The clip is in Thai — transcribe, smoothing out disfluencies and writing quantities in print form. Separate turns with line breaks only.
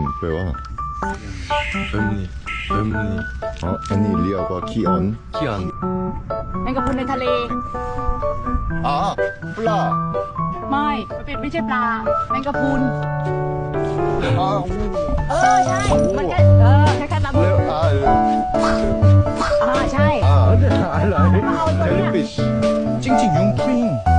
แปลว่า
ömni
อ๋ออันนี้เรียกว่าขี้อ่อน
kian
แมงกะพรุนในทะเล
อ๋อปลา
ไม่ใช่ปลาแมงกะพรุน
อ๋อ
ใช่มันก็คล้ายๆปลาหมึ
เรีย
ก
ก
ใช่
เจลลี่ฟิชจริงๆยุงปิง